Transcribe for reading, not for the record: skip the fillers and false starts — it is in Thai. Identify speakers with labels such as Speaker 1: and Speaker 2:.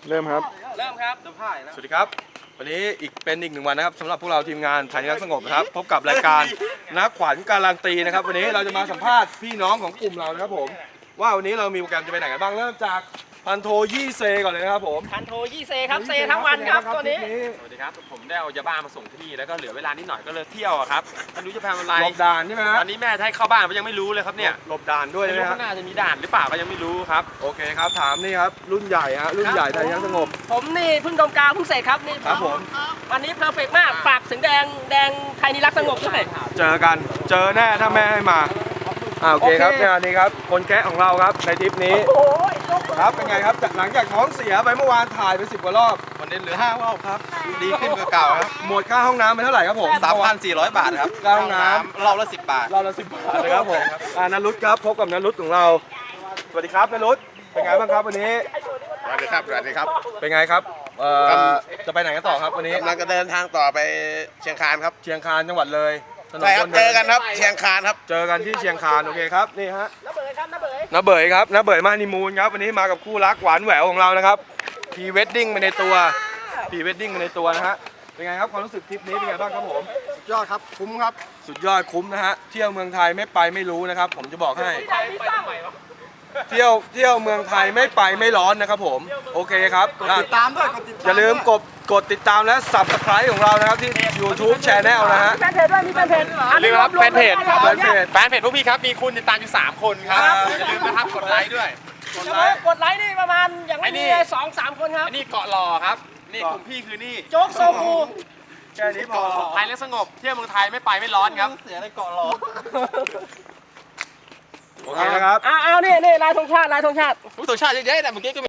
Speaker 1: เริ่มครับ
Speaker 2: เริ่มครับ
Speaker 1: สวัสดีครับวันนี้เป็นอีกหนึ่งวันนะครับสำหรับพวกเราทีมงานไทยรักสงบนะครับพบกับรายการนักขวัญการันตีนะครับวันนี้เราจะมาสัมภาษณ์พี่น้องของกลุ่มเรานะครับผมว่าวันนี้เรามีโปรแกรมจะไปไหนกันบ้างเริ่มจากพันโทยี่เซก่อนเลยนะครับผม
Speaker 2: พันโทยี่เซครับเซทั้งวันครับตัวนี้
Speaker 3: สวัสดีครับผมได้เอายาบ้ามาส่งที่นี่แล้วก็เหลือเวลานิดหน่อยก็เลยเที่ยวอะครับไม่รู้จะทำอะไร
Speaker 1: หลบด่านใช่ไหมฮะ
Speaker 3: ตอนนี้แม่ให้เข้าบ้านก็ยังไม่รู้เลยครับเนี่ย
Speaker 1: หลบด่านด้วย
Speaker 3: ไม่
Speaker 1: ใช่ไหม
Speaker 3: รู้
Speaker 1: ฮะ
Speaker 3: ข้างหน้าจะมีด่านหรือเปล่าก็ยังไม่รู้ครับ
Speaker 1: โอเคครับถามนี่ครับรุ่นใหญ่ฮะรุ่นใหญ่ไทยรักสงบ
Speaker 2: ผมนี่เพิ่งดมกาวเพิ่งเสร็จครับนี่
Speaker 1: ครับผม
Speaker 2: วันนี้เพอร์เฟกต์มากฝากถึงแดงไทยนิรักสงบด้วย
Speaker 1: เจอกันเจอแน่ถ้าแม่ให้มาโอเคครับงานนี้ครับคนแคะของเราครับในทริปนี้
Speaker 2: โอ้ย
Speaker 1: ครับเป็นไงครับจากหลังจากท้องเสียไปเมื่อวานถ่ายไป10 กว่ารอบ
Speaker 4: วันนี้เหลือ5 รอบครับดีขึ้นกว่าเก่าครับ
Speaker 1: หมดค่าห้องน้ำไปเท่าไหร่ครับผม
Speaker 4: 3,400 บาทครับ
Speaker 1: ค่าห้องน้ำ
Speaker 4: รอบละ10 บาท
Speaker 1: เราละ10 บาทนะครับผมนรุตครับพบกับนรุตของเราสวัสดีครับนรุตเป็นไงบ้างครับวันนี้
Speaker 4: สวัสดีครับสวัสดีครับ
Speaker 1: เป็นไงครับจะไปไหนกันต่อครับวันนี้
Speaker 4: กำลังจะเดินทางต่อไปเชียงคานครับ
Speaker 1: เชียงคานจังหวัดเลยถนน
Speaker 4: ใช่ครับ
Speaker 1: น
Speaker 4: เจอกันครับเชียงคานครับ
Speaker 1: เจอกันที่เชียงคานโอเคครับนี่ฮะ
Speaker 2: น้าเบยครับน้าเบย
Speaker 1: น้าเบยครับน้าเบยมาฮันนีมูนครับวันนี้มากับคู่รักหวานแหววของเรานะครับพรีเวดดิ้งไปในตัวพรีเวดดิ้งไปในตัวนะฮะเป็นไงครับความรู้สึกทริปนี้เป็นไงบ้างครับผม
Speaker 4: สุดยอดครับคุ้มครับ
Speaker 1: สุดยอดคุ้มนะฮะเที่ยวเมืองไทยไม่ไปไม่รู้นะครับผมจะบอกให้
Speaker 2: ไปตั้งใหม่
Speaker 1: เที่ยวเมืองไทยไม่ไปไม่ร้อนนะครับผมโอเคครับติดตามด้วยอย่าลืมกดติดตามและ Subscribe ของเรานะครับที่ YouTube Channel นะฮะ
Speaker 2: แฟนเพจด้วยมีแฟนเพจ
Speaker 3: อย่าลืมครับแฟนเพจ
Speaker 1: แฟนเพจ
Speaker 3: แฟนเพจพวกพี่ครับมีคุณติดตามอยู่3 คนครับอย่าลืมนะครับกดไลค์ด้วย
Speaker 2: กดไลค์นี่ประมาณอย่างไม่มี2-3 คนครับ
Speaker 3: อันนี้เกาะหล่อครับนี่กลุ่มพี่คือนี่
Speaker 2: โจ๊กโซคู
Speaker 1: แค่นี้พอ
Speaker 3: ไทยและสงบเที่ยวเมืองไทยไม่ไปไม่ร้อนครับ
Speaker 4: เสียในเกาะรอ
Speaker 1: โอเคนะครับ
Speaker 2: เอานี่ลายธงชาติ
Speaker 3: ผู้ตัวชาติเยอะๆแต่เมื่อกี้ก็